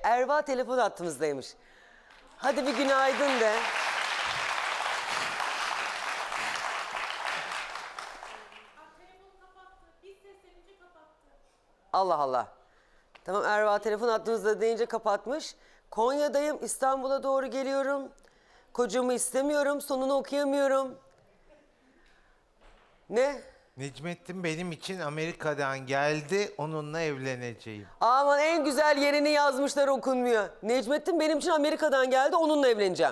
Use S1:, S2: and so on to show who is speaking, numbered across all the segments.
S1: Erva telefon hattımızdaymış. Hadi bir günaydın de. Allah Allah. Tamam, Erva telefon hattımızda deyince kapatmış. Konya'dayım, İstanbul'a doğru geliyorum. Kocamı istemiyorum, sonunu okuyamıyorum. Ne?
S2: Necmettin benim için Amerika'dan geldi, onunla evleneceğim.
S1: Aman en güzel yerini yazmışlar, okunmuyor. Necmettin benim için Amerika'dan geldi, onunla evleneceğim.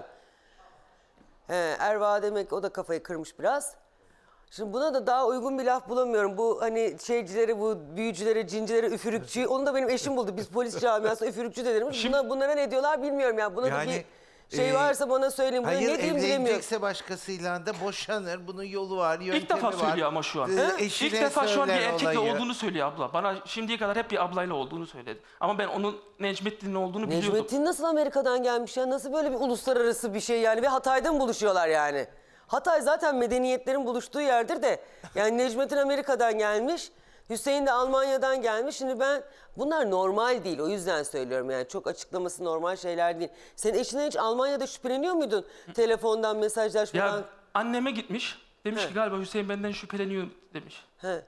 S1: Erva demek o da kafayı kırmış biraz. Şimdi buna da daha uygun bir laf bulamıyorum. Bu hani şeycilere, bu büyücülere, cincilere, üfürükçü. Onu da benim eşim buldu. Biz polis camiasında üfürükçü de deriz. Bunlara ne diyorlar bilmiyorum ya. Buna da
S2: Yani,
S1: bir şey varsa bana söyleyin. Buna
S2: Hayır,
S1: ne diyeyim bilemiyorum.
S2: evlenecekse başkasıyla da boşanır. Bunun yolu var, yöntemi var.
S3: İlk defa söylüyor ama şu an.
S2: Eşine
S3: İlk defa şu an bir
S2: söyler
S3: erkekle
S2: olayı.
S3: olduğunu söylüyor abla. Bana şimdiye kadar hep bir ablayla olduğunu söyledi. Ama ben onun Necmettin'in olduğunu biliyordum.
S1: Necmettin nasıl Amerika'dan gelmiş ya? Nasıl böyle bir uluslararası bir şey yani? Ve Hatay'da mı buluşuyorlar yani? Hatay zaten medeniyetlerin buluştuğu yerdir de. Yani Necmettin Amerika'dan gelmiş. Hüseyin de Almanya'dan gelmiş. Şimdi bunlar normal değil. O yüzden söylüyorum yani. Çok açıklaması normal şeyler değil. Senin eşinden hiç Almanya'da şüpheleniyor muydun? Telefondan, mesajlaşmadan.
S3: Ya anneme gitmiş. Demiş
S1: He.
S3: ki galiba Hüseyin benden şüpheleniyor demiş.
S1: He.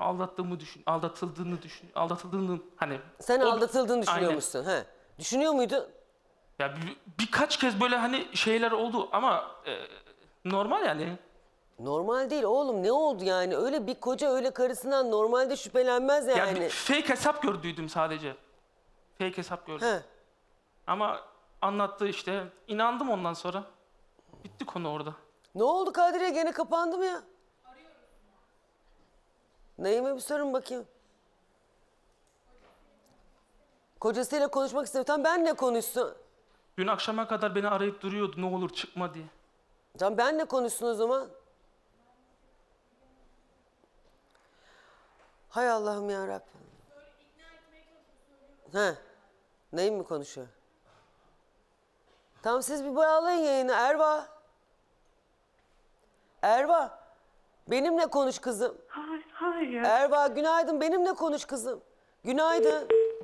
S3: Aldatıldığını hani.
S1: Sen
S3: o-
S1: aldatıldığını
S3: Aynen.
S1: düşünüyormuşsun. He. Düşünüyor muydun?
S3: Ya birkaç kez böyle hani şeyler oldu ama normal yani.
S1: Normal değil oğlum, ne oldu yani? Öyle bir koca öyle karısından normalde şüphelenmez
S3: Ya
S1: yani.
S3: bir fake hesap gördüydüm sadece. Fake hesap gördüm.
S1: He.
S3: Ama anlattı işte. İnandım ondan sonra. Bitti konu orada.
S1: Ne oldu Kadriye, gene kapandı mı ya? Naime bir sorun bakayım. Kocasıyla konuşmak istiyor. Tamam, benle konuşsun.
S3: Dün akşama kadar beni arayıp duruyordu ne olur çıkma diye.
S1: Tamam, benle konuşsun o zaman. Hay Allah'ım ya Rabbim. He. Naim mi konuşuyor? Tamam, siz bir bağlayın yayını. Erva. Erva. Benimle konuş kızım.
S4: Hayır.
S1: Erva günaydın, benimle konuş kızım. Günaydın.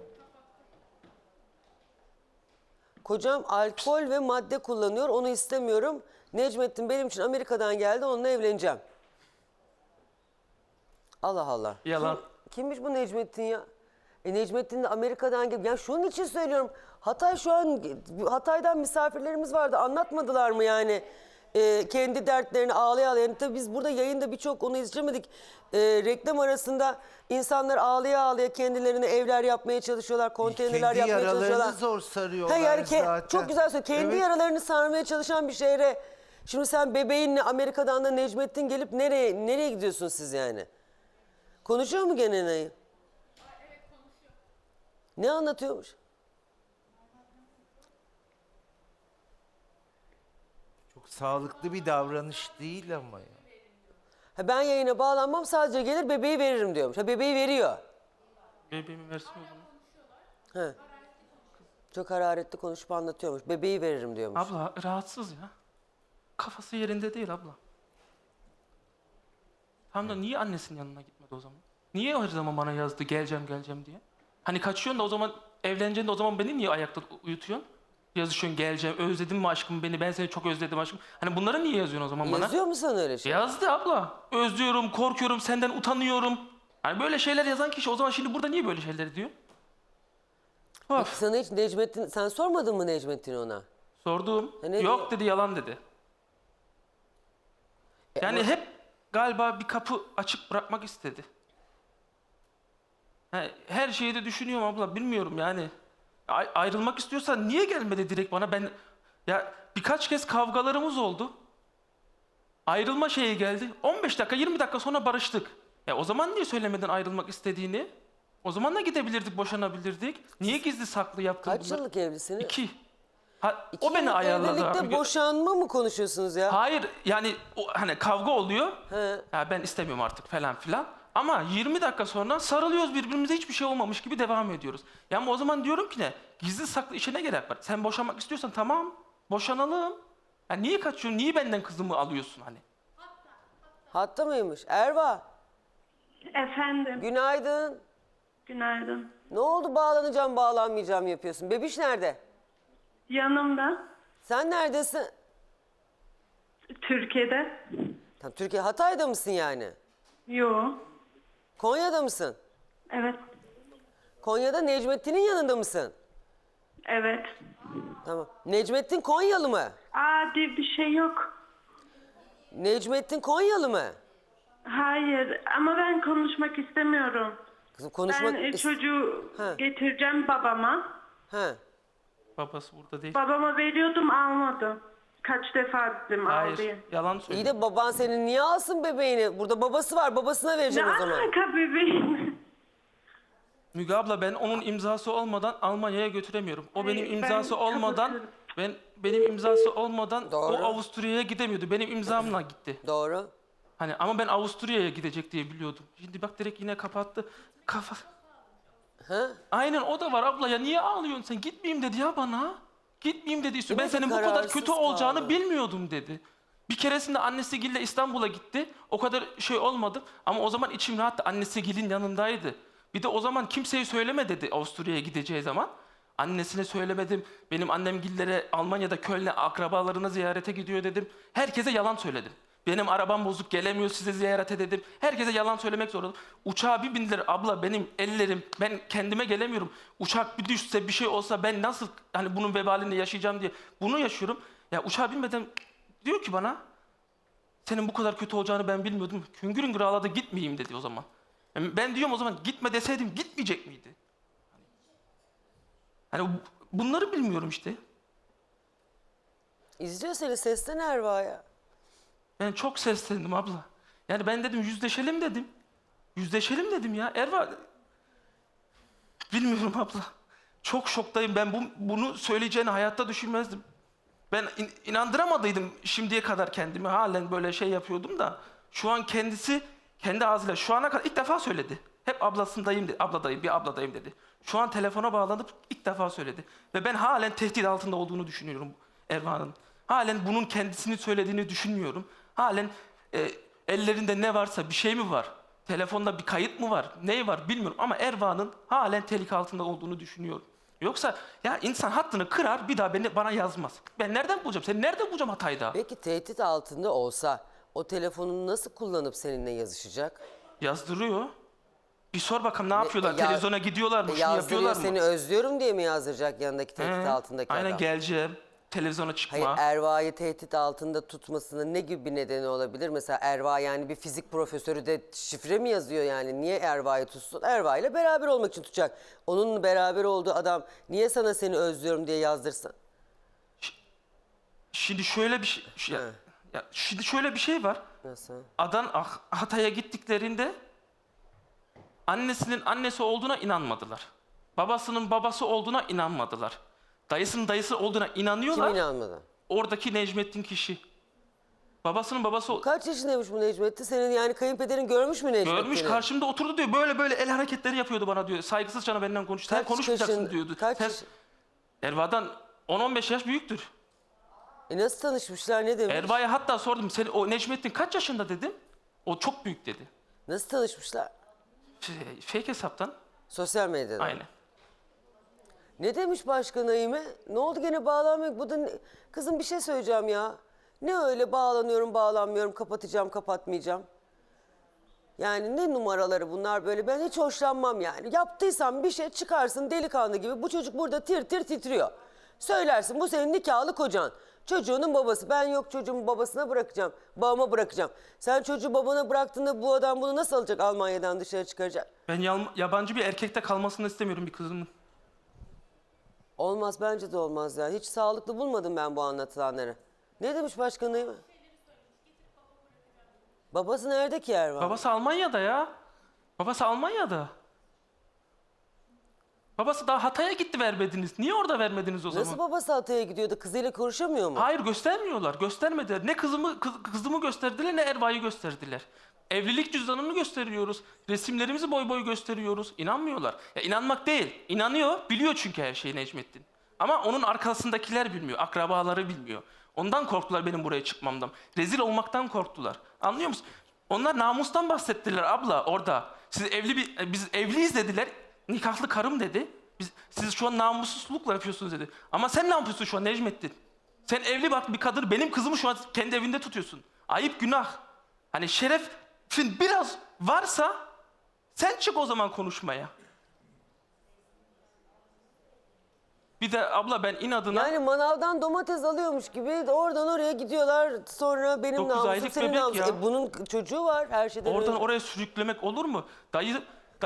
S1: Kocam alkol ve madde kullanıyor, onu istemiyorum. Necmettin benim için Amerika'dan geldi, onunla evleneceğim. Allah Allah.
S3: Yalan.
S1: Kimmiş bu Necmettin ya? Necmettin de Amerika'dan geldi. Ya şunun için söylüyorum. Hatay şu an, Hatay'dan misafirlerimiz vardı. Anlatmadılar mı yani? Kendi dertlerini ağlaya ağlaya. Yani tabii biz burada yayında birçok onu izlemedik. Reklam arasında insanlar ağlaya ağlaya kendilerine evler yapmaya çalışıyorlar. Konteynerler
S2: Kendi
S1: yapmaya çalışıyorlar.
S2: yaralarını zor sarıyorlar
S1: Yani
S2: zaten.
S1: çok güzel söylüyor. Kendi
S2: Evet.
S1: yaralarını sarmaya çalışan bir şehre. Şimdi sen bebeğinle Amerika'dan da Necmettin gelip nereye gidiyorsun siz yani? Konuşuyor mu gene Naim? Evet, konuşuyor. Ne anlatıyormuş?
S2: Çok sağlıklı bir davranış değil ama ya.
S1: Ha, ben yayına bağlanmam, sadece gelir bebeği veririm diyormuş. Ha, bebeği veriyor.
S3: Bebeğimi versin o zaman.
S1: Ha. Çok hararetli konuşup anlatıyormuş. Bebeği veririm diyormuş.
S3: Abla rahatsız ya. Kafası yerinde değil abla. Tam da niye annesinin yanına gitmedi o zaman? Niye her zaman bana yazdı geleceğim diye? Hani kaçıyorsun da o zaman evleneceksin de o zaman beni niye ayakta uyutuyorsun? Yazışıyorsun geleceğim, özledin mi aşkım beni, ben seni çok özledim aşkım. Hani bunları niye yazıyorsun o zaman bana?
S1: Yazıyor mu sana öyle şey?
S3: Yazdı abla. Özlüyorum, korkuyorum, senden utanıyorum. Hani böyle şeyler yazan kişi o zaman şimdi burada niye böyle şeyler diyor? Of.
S1: Sana hiç Necmettin, sen sormadın mı Necmettin ona?
S3: Sordum.
S1: ne
S3: Yok
S1: diyor?
S3: dedi, yalan dedi. Yani
S1: ama-
S3: hep galiba bir kapı açık bırakmak istedi. Her şeyi de düşünüyorum abla, bilmiyorum yani. Ayrılmak istiyorsa niye gelmedi direkt bana? Ya birkaç kez kavgalarımız oldu. Ayrılma şeyi geldi. 15 dakika 20 dakika sonra barıştık. O zaman niye söylemedin ayrılmak istediğini? O zaman da gidebilirdik, boşanabilirdik. Niye gizli saklı yaptın
S1: Kaç
S3: bunları?
S1: yıllık evlisiniz?
S3: 2.
S1: İki
S3: O beni
S1: yıllık
S3: ayarladı
S1: evlilikte
S3: abi.
S1: boşanma mı konuşuyorsunuz ya?
S3: Hayır yani hani kavga oluyor.
S1: He.
S3: Ya ben istemiyorum artık falan filan. Ama 20 dakika sonra sarılıyoruz birbirimize, hiçbir şey olmamış gibi devam ediyoruz. Ya ama o zaman diyorum ki ne? Gizli saklı işe ne gerek var? Sen boşanmak istiyorsan tamam, boşanalım. Ya niye kaçıyorsun? Niye benden kızımı alıyorsun hani?
S1: Hatta mıymış? Erva,
S4: Efendim.
S1: günaydın.
S4: Günaydın.
S1: Ne oldu bağlanacağım bağlanmayacağım yapıyorsun? Bebiş nerede?
S4: Yanımda.
S1: Sen neredesin?
S4: Türkiye'de.
S1: Tam Türkiye Hatay'da mısın yani?
S4: Yo.
S1: Konya'da mısın?
S4: Evet.
S1: Konya'da Necmettin'in yanında mısın?
S4: Evet.
S1: Tamam. Necmettin Konyalı mı?
S4: Diye bir şey yok.
S1: Necmettin Konyalı mı?
S4: Hayır ama ben konuşmak istemiyorum.
S1: Kızım konuşmak...
S4: Ben çocuğu
S1: Ha.
S4: getireceğim babama.
S1: Ha.
S3: Babası burada değil.
S4: Babama veriyordum almadım. Kaç defa dedim al diye.
S3: Hayır, yalan
S1: İyi
S3: söylüyor.
S1: de baban senin niye alsın bebeğini? Burada babası var, babasına
S4: Ne
S1: vereceksin o zaman.
S4: alaka bebeğim?
S3: Müge abla ben onun imzası olmadan Almanya'ya götüremiyorum. O benim
S4: Ben
S3: imzası olmadan
S4: kapatıyorum.
S3: benim imzası olmadan
S1: Doğru.
S3: o Avusturya'ya gidemiyordu. Benim imzamla gitti.
S1: Doğru.
S3: Hani ama ben Avusturya'ya gidecek diye biliyordum. Şimdi bak direkt yine kapattı. Kafa.
S1: Ha?
S3: Aynen o da var abla ya niye ağlıyorsun sen? Gitmeyeyim dedi ya bana. Gitmeyeyim dedi. Ben
S1: Demek ki
S3: senin bu kadar
S1: kararsız
S3: kötü olacağını
S1: kaldı.
S3: bilmiyordum dedi. Bir keresinde annesi Gil'le İstanbul'a gitti. O kadar şey olmadı. Ama o zaman içim rahattı. Annesi Gil'in yanındaydı. Bir de o zaman kimseye söyleme dedi Avusturya'ya gideceği zaman. Annesine söylemedim. Benim annem Gil'lere Almanya'da Köln'e akrabalarını ziyarete gidiyor dedim. Herkese yalan söyledim. Benim arabam bozuk gelemiyor size ziyarete dedim. Herkese yalan söylemek zorundayım. Uçağa bir bindiler abla benim ellerim ben kendime gelemiyorum. Uçak bir düşse bir şey olsa ben nasıl hani bunun vebalini yaşayacağım diye bunu yaşıyorum. Ya uçağa binmeden diyor ki bana senin bu kadar kötü olacağını ben bilmiyordum. Hüngür hüngür ağladı gitmeyeyim dedi o zaman. Yani ben diyorum o zaman gitme deseydim gitmeyecek miydi? Hani bunları bilmiyorum işte.
S1: İzliyor seni, seslen Erva'ya.
S3: Ben çok seslendim abla. Yani ben dedim yüzleşelim dedim. Yüzleşelim dedim ya. Erva... Bilmiyorum abla. Çok şoktayım. Ben bunu söyleyeceğini hayatta düşünmezdim. Ben inandıramadıydım şimdiye kadar kendimi. Halen böyle şey yapıyordum da. Şu an kendisi kendi ağzıyla şu ana kadar ilk defa söyledi. Hep ablasındayım dedi. Abladayım, bir abladayım dedi. Şu an telefona bağlanıp ilk defa söyledi. Ve ben halen tehdit altında olduğunu düşünüyorum Erva'nın. Halen bunun kendisini söylediğini düşünmüyorum. Halen ellerinde ne varsa bir şey mi var? Telefonda bir kayıt mı var? Ne var bilmiyorum ama Erva'nın halen tehlike altında olduğunu düşünüyorum. Yoksa ya insan hattını kırar bir daha bana yazmaz. Ben nereden bulacağım? Seni nereden bulacağım Hatay'da?
S1: Peki tehdit altında olsa o telefonunu nasıl kullanıp seninle yazışacak?
S3: Yazdırıyor. Bir sor bakalım ne yapıyorlar?
S1: ya-
S3: Televizyona gidiyorlar mı? Şunu
S1: Yazdırıyor
S3: yapıyorlar mı?
S1: seni özlüyorum diye mi yazdıracak yanındaki tehdit altındaki
S3: Aynen
S1: adam?
S3: geleceğim. Televizyona çıkma.
S1: Hayır, Erva'yı tehdit altında tutmasının ne gibi bir nedeni olabilir? Mesela Erva yani bir fizik profesörü de şifre mi yazıyor yani? Niye Erva'yı tutsun? Erva ile beraber olmak için tutacak. Onun beraber olduğu adam niye sana seni özlüyorum diye yazdırsın?
S3: Şimdi şöyle bir şey... şimdi şöyle bir şey var.
S1: Nasıl?
S3: Hatay'a gittiklerinde annesinin annesi olduğuna inanmadılar. Babasının babası olduğuna inanmadılar. Dayısının dayısı olduğuna
S1: Kim
S3: inanıyorlar.
S1: inanmadı?
S3: Oradaki Necmettin kişi. Babasının babası
S1: Kaç yaşındaymış bu Necmettin? Senin yani kayınpederin görmüş mü Necmettin'i?
S3: görmüş karşımda oturdu diyor. Böyle böyle el hareketleri yapıyordu bana diyor. Saygısızca benden konuştu. Sen
S1: Kaç
S3: konuşmayacaksın
S1: yaşın-
S3: diyordu.
S1: kaç
S3: Sen,
S1: yaş-
S3: Erva'dan 10-15 yaş büyüktür.
S1: Nasıl tanışmışlar, ne demiş?
S3: Erva'ya hatta sordum. O Necmettin kaç yaşında dedim. O çok büyük dedi.
S1: Nasıl tanışmışlar?
S3: Fake hesaptan.
S1: Sosyal medyadan.
S3: Aynen.
S1: Ne demiş başka Naime? Ne oldu gene bağlanmıyor? Bu da kızım bir şey söyleyeceğim ya. Ne öyle bağlanıyorum bağlanmıyorum kapatacağım kapatmayacağım. Yani ne numaraları bunlar böyle, ben hiç hoşlanmam yani. Yaptıysan bir şey çıkarsın delikanlı gibi, bu çocuk burada tir tir titriyor. Söylersin bu senin nikahlı kocan. Çocuğunun babası, ben yok çocuğumu babasına bırakacağım, babama bırakacağım. Sen çocuğu babana bıraktığında bu adam bunu nasıl alacak, Almanya'dan dışarı çıkaracak?
S3: Ben yabancı bir erkekte kalmasını istemiyorum bir kızımın.
S1: Olmaz, bence de olmaz ya. Hiç sağlıklı bulmadım ben bu anlatılanları. Ne demiş başka Naime? Babası nerede ki Ervan?
S3: Babası Almanya'da ya. Babası Almanya'da. Babası daha Hatay'a gitti vermediniz. Niye orada vermediniz o zaman?
S1: Nasıl babası Hatay'a gidiyor da kızıyla konuşamıyor mu?
S3: Hayır göstermiyorlar. Göstermediler. Ne kızımı gösterdiler ne Erva'yı gösterdiler. Evlilik cüzdanını gösteriyoruz. Resimlerimizi boy boy gösteriyoruz. İnanmıyorlar. Ya inanmak değil. İnanıyor. Biliyor çünkü her şeyi Necmettin. Ama onun arkasındakiler bilmiyor. Akrabaları bilmiyor. Ondan korktular benim buraya çıkmamdan. Rezil olmaktan korktular. Anlıyor musun? Onlar namustan bahsettiler abla orada. Biz evliyiz dediler. nikahlı karım dedi. Siz şu an namussuzlukla yapıyorsunuz dedi. Ama sen ne yapıyorsun şu an Necmettin? Sen evli bak bir kadın, benim kızımı şu an kendi evinde tutuyorsun. Ayıp, günah. Hani şerefin biraz varsa sen çık o zaman konuşmaya. Bir de abla ben inadına...
S1: Yani manavdan domates alıyormuş gibi oradan oraya gidiyorlar. Sonra benim
S3: 9
S1: namusum
S3: aylık
S1: senin
S3: bebek
S1: namusun.
S3: ya.
S1: Bunun çocuğu var her şeyden
S3: Oradan
S1: önce.
S3: oraya sürüklemek olur mu? Dayı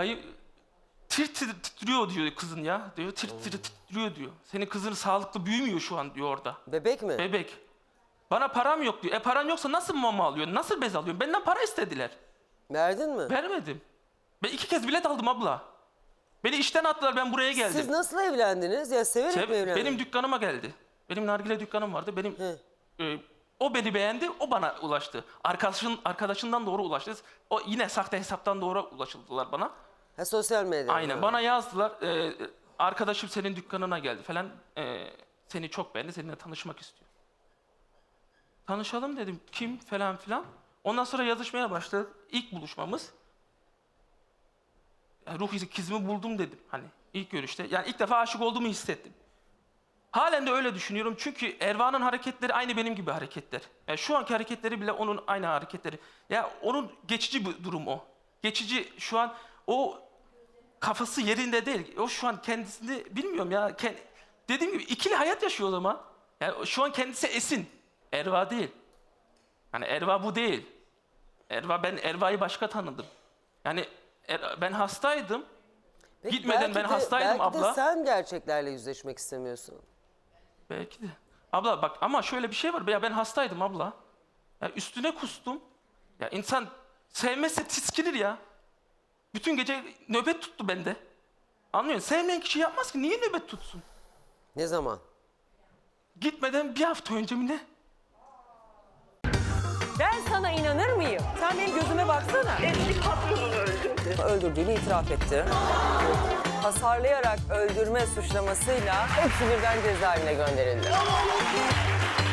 S3: titriyor diyor kızın ya. Diyor titriyor diyor. Senin kızın sağlıklı büyümüyor şu an diyor orada.
S1: Bebek mi?
S3: Bebek. Bana param yok diyor. Paran yoksa nasıl mama alıyorsun? Nasıl bez alıyorsun? Benden para istediler.
S1: Verdin mi?
S3: Vermedim. Ben 2 kez bilet aldım abla. Beni işten attılar, ben buraya geldim.
S1: Siz nasıl evlendiniz? Ya severek mi evlendiniz?
S3: Benim dükkanıma geldi. Benim nargile dükkanım vardı. O beni beğendi, o bana ulaştı. Arkadaşından doğru ulaştı. O yine sahte hesaptan doğru ulaşıldılar bana.
S1: Ha, sosyal medya.
S3: Aynen.
S1: Ha.
S3: Bana yazdılar. Arkadaşım senin dükkanına geldi falan. Seni çok beğendi. Seninle tanışmak istiyor. Tanışalım dedim. Kim falan filan. Ondan sonra yazışmaya başladık. İlk buluşmamız. Ruh ikizimi buldum dedim. Hani ilk görüşte. Yani ilk defa aşık olduğumu hissettim. Halen de öyle düşünüyorum. Çünkü Erva'nın hareketleri aynı benim gibi hareketler. Yani şu anki hareketleri bile onun aynı hareketleri. Ya onun geçici bir durum o. Geçici şu an o kafası yerinde değil. O şu an kendisini bilmiyorum ya. Dediğim gibi ikili hayat yaşıyor o zaman. Yani şu an kendisi Esin. Erva değil. Hani Erva bu değil. Ben Erva'yı başka tanıdım. Yani ben hastaydım.
S1: Peki
S3: Gitmeden
S1: belki
S3: ben
S1: de-
S3: hastaydım abla.
S1: Belki de sen gerçeklerle yüzleşmek istemiyorsun.
S3: Belki de. Abla bak ama şöyle bir şey var. Ya ben hastaydım abla. Ya üstüne kustum. Ya insan sevmezse tiskinir ya. Bütün gece nöbet tuttu bende. Anlıyorsun? Sevmeyen kişi yapmaz ki. Niye nöbet tutsun?
S1: Ne zaman?
S3: Gitmeden bir hafta önce mi ne?
S5: Ben sana inanır mıyım? Sen benim gözüme baksana.
S4: Eski patronunu öldürdü.
S5: Öldürdüğünü itiraf etti. Hasarlayarak öldürme suçlamasıyla hepsi birden cezaevine gönderildi.